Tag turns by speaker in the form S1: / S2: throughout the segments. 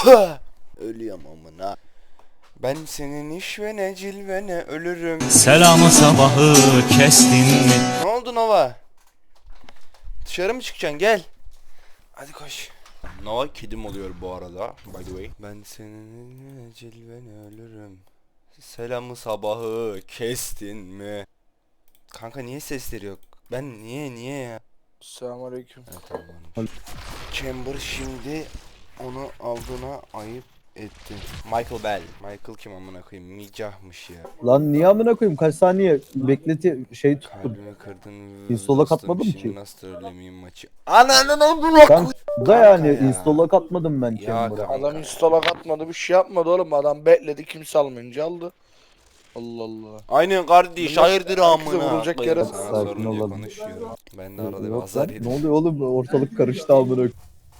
S1: Ölüyorum amına. Ben senin iş ve ne cilvene ölürüm.
S2: Selamı sabahı kestin mi?
S1: Ne oldu Nova? Dışarı mı çıkacaksın? Gel. Hadi koş. Nova kedim oluyor bu arada. By the way. Ben senin cilvene ölürüm. Selamı sabahı kestin mi? Kanka niye sesleri yok? Ben niye ya?
S3: Selamünaleyküm.
S1: Evet, tamam. Chamber şimdi onu aldığına ayıp etti. Michael Bell. Michael kim amına koyayım? Micahmış ya.
S4: Lan niye amına koyayım? Kaç saniye bekleti şey tuttum.
S1: Kalbimi kırdın.
S4: Install'a katmadım
S1: Şimdi
S4: ki.
S1: nasıl trollemeyeyim maçı? Ananın amına
S4: Ben da yani
S1: ya.
S4: install'a katmadım ben
S1: Ya
S4: Chamber'a.
S1: kanka.
S3: Adam install'a katmadı, bir şey yapmadı oğlum. Adam bekledi, kimse almayınca aldı. Allah Allah.
S1: Aynen kardeş,
S3: Bunlar
S1: hayırdır
S3: herkese
S1: amına.
S3: vurulacak yere-
S1: Sana
S4: Sakin
S1: sorunca
S4: olalım.
S1: konuşuyorum. Ben de arada bir
S4: Yok
S1: azar
S4: lan,
S1: yedim.
S4: ne oluyor oğlum? Ortalık karıştı amına koyayım.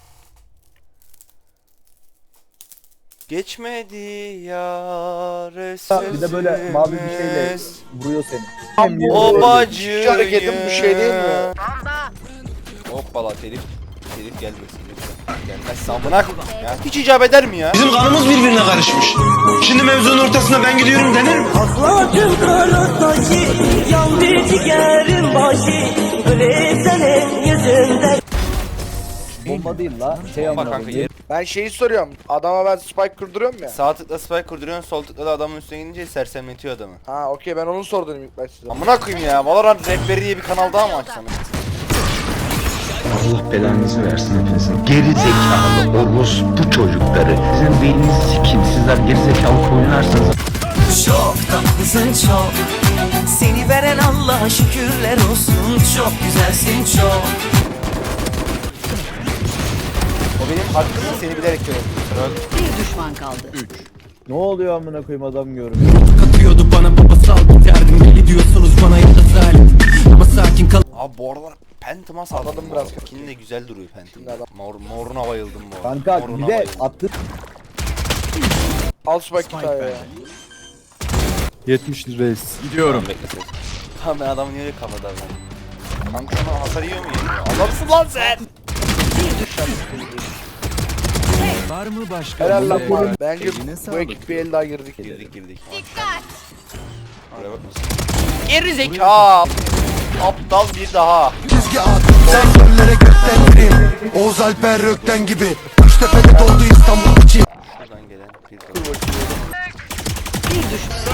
S1: Geçmedi yar
S4: Bir de böyle mavi bir şeyle
S1: sözümüz.
S4: vuruyor seni.
S1: O bacıyı.
S3: Hiç hareketim bir şey değil mi?
S1: Hoppala telif gelmesin lütfen. Gelmezse amına koyayım ya. Hiç icap eder mi ya?
S5: Bizim kanımız birbirine karışmış. Şimdi mevzunun ortasına ben gidiyorum denir mi?
S6: Aklım kanataki yan bir ciğerim başı öyle senin yüzünden.
S4: Bomba değil la. Şey
S1: Bomba
S4: amına
S1: kanka
S4: koyayım.
S3: Ben şeyi soruyorum. Adama ben spike kurduruyorum ya.
S1: Sağ tıkla spike kurduruyorsun, sol tıkla da adamın üstüne gidince sersemletiyor adamı.
S3: Ha okey, ben onu sordum ilk başta size.
S1: Amına koyayım ya. Valorant Rehberi diye bir kanal daha mı açsam?
S7: Allah belanızı versin hepinizin. Geri zekalı orospu çocukları. Sizin beyninizi sikeyim. Sizler geri zekalı oynarsınız.
S6: Çok tatlısın çok. Seni veren Allah'a şükürler olsun. Çok güzelsin çok.
S1: O benim hakkım, seni bilerek görüyorum.
S8: Bir düşman kaldı.
S4: Ne oluyor amına koyayım adam görüyor.
S2: Katıyordu bana babasal biterdim. Deli diyorsunuz bana ya da zalim. Ama sakin kal.
S1: Abi bu aralar Phantom'a salladım
S3: Anladım
S1: biraz.
S3: biraz.
S1: Kini de güzel duruyor Phantom.
S3: Şimdi adam-
S1: Moruna bayıldım bu arada.
S4: Kanka
S1: Moruna
S4: bir de
S1: bayıldım.
S4: attı.
S3: Al spike bir tane ya.
S9: 70 reis.
S1: Gidiyorum. Bekle. Tamam ben adamı niye öyle kafada ben? Kanka sana hasar yiyor mu yemiyor? Adamsın lan sen!
S2: Var mı başka?
S3: Helal lan
S2: bir-
S3: bana. Bence
S2: Eline
S3: bu
S2: sağlık.
S3: ekip bir el daha girdik.
S1: Girdik. Dikkat! Oraya bak. Geri zeka! Aptal bir daha.
S5: Çizgi at. Sen göllere gökten gireyim. Oğuz Alper Rökten gibi. Üçtepe'de doldu İstanbul için.
S1: Şuradan gelen bir daha.
S8: Bir düşman.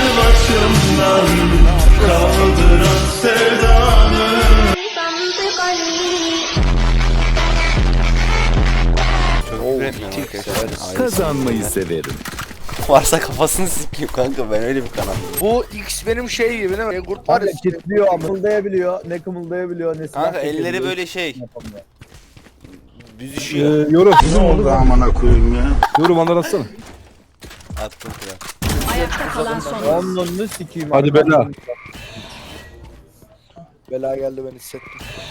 S1: Çok küfür etmiyorum arkadaşlar.
S9: Kazanmayı severim.
S1: Varsa kafasını sikeyim kanka, ben öyle bir kanal.
S3: Bu X benim şey gibi değil mi? Kurt var
S4: Kanka
S3: ya.
S4: kitliyor, amıldayabiliyor. Ne kımıldayabiliyor ne silah
S1: Kanka elleri
S4: çekebiliyor.
S1: böyle şey,
S4: Yapamıyor.
S1: büzüşüyor.
S9: Yorum.
S7: Ne oldu amına koyayım ya?
S9: Yorum anlatsana.
S1: Attım kral.
S8: Ayakta kalan son oyuncu.
S4: Onunla sikeyim.
S9: Hadi
S4: abi.
S9: bela.
S3: Bela geldi, ben hissettim.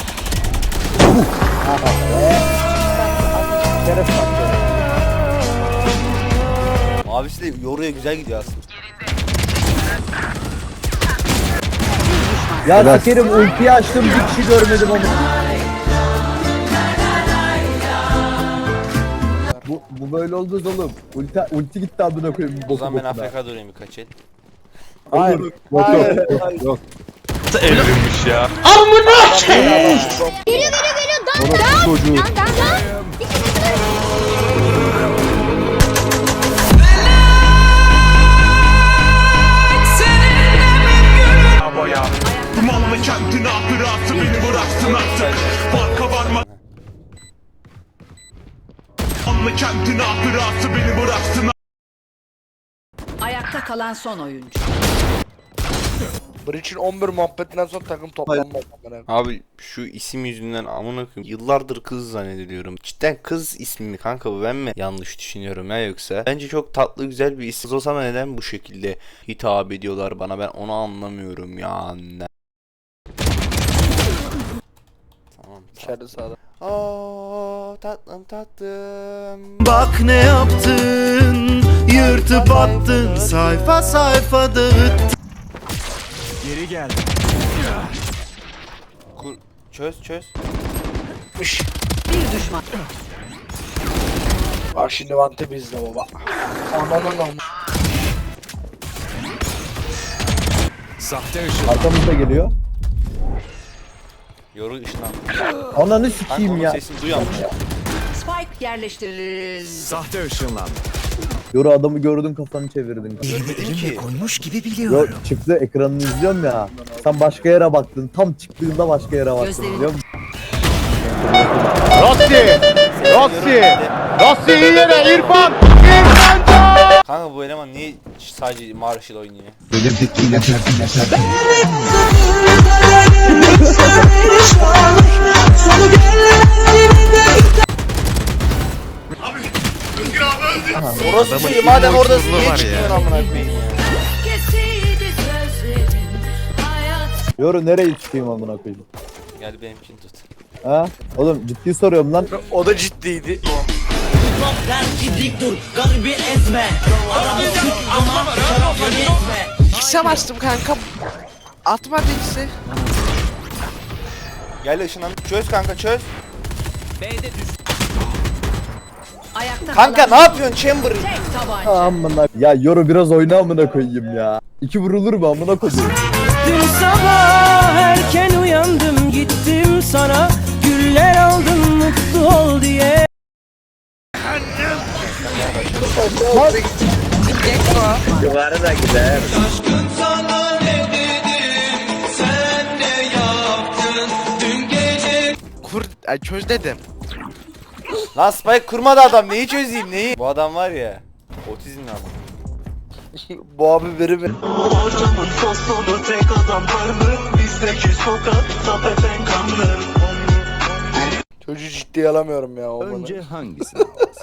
S4: Şeref bak ya.
S1: Mavisi de yoruya güzel gidiyor aslında.
S4: Ya sikerim ultiyi açtım bir kişi görmedim onu. Bu böyle olmaz oğlum. Ulti gitti amına koyayım.
S1: O zaman ben
S4: bokuna.
S1: AFK durayım birkaç el.
S4: Hayır.
S9: Yok
S4: Hayır.
S9: yok yok. Orası çocuğu.
S5: Dumanlı kentin ahırası beni bıraksın artık. Farka varma. Dumanlı kentin ahırası beni bıraksın.
S8: Ayakta kalan son oyuncu.
S3: Breach'in 11 muhabbetinden sonra takım toplanmaz.
S1: Abi şu isim yüzünden amına koyayım. Yıllardır kız zannediyorum. Cidden kız ismi mi kanka, bu ben mi yanlış düşünüyorum ya yoksa? Bence çok tatlı güzel bir isim. Kız olsam neden bu şekilde hitap ediyorlar bana, ben onu anlamıyorum ya anne. Tamam.
S3: İçeride sağda.
S1: Oo tatlım tatlım.
S2: Bak ne yaptın? Yırtıp attın. Sayfa sayfa dağıttın. Geri gel.
S1: Çöz.
S3: Iş.
S8: Bir düşman.
S3: Bak şimdi vante bizde baba. Ananın.
S4: Arkamızda geliyor.
S1: Yoru ışınlandı.
S4: Ananı
S1: Kanka
S4: sikeyim
S1: onun
S4: ya.
S1: sesini duyuyormuş.
S8: Spike yerleştirildi.
S4: Yoru adamı gördün kafanı çevirdin.
S1: Görmedim ki.
S6: Koymuş gibi
S4: Yo
S6: biliyorum.
S4: çıktı ekranını izliyorum ya. Sen başka yere baktın. Tam çıktığında başka yere baktın
S8: Gözlerini-
S4: biliyor musun?
S1: Rossi iyi yere İrfan. Kanka bu eleman niye sadece Marshall oynuyor? Orası şey madem oradasın niye çıkmıyorsun amına koyayım ya?
S4: Yoru nereye çıkayım amına koyayım?
S1: Gel benimkini tut.
S4: Ha? Oğlum ciddi soruyorum lan.
S3: O da ciddiydi.
S10: X'e bastım kanka. Atma birisi.
S1: Gel ışınlan. Çöz kanka çöz.
S8: Ayakta
S1: Kanka
S8: kalan
S1: ne yapıyorsun Chamber?
S8: tek tabanca.
S4: Amına. Ya Yoru biraz oyna amına koyayım ya. İki vurulur mu amına koyayım?
S6: Dün sabah erken uyandım gittim sana güller aldım mutlu ol diye.
S10: Çöz dedim.
S1: Lan Spike kurmadı adam neyi çözeyim neyi? Bu adam var ya. Otizmli adam.
S3: Bu abi biri mi? Çocuğu ciddiye alamıyorum ya.
S9: Önce hangisi?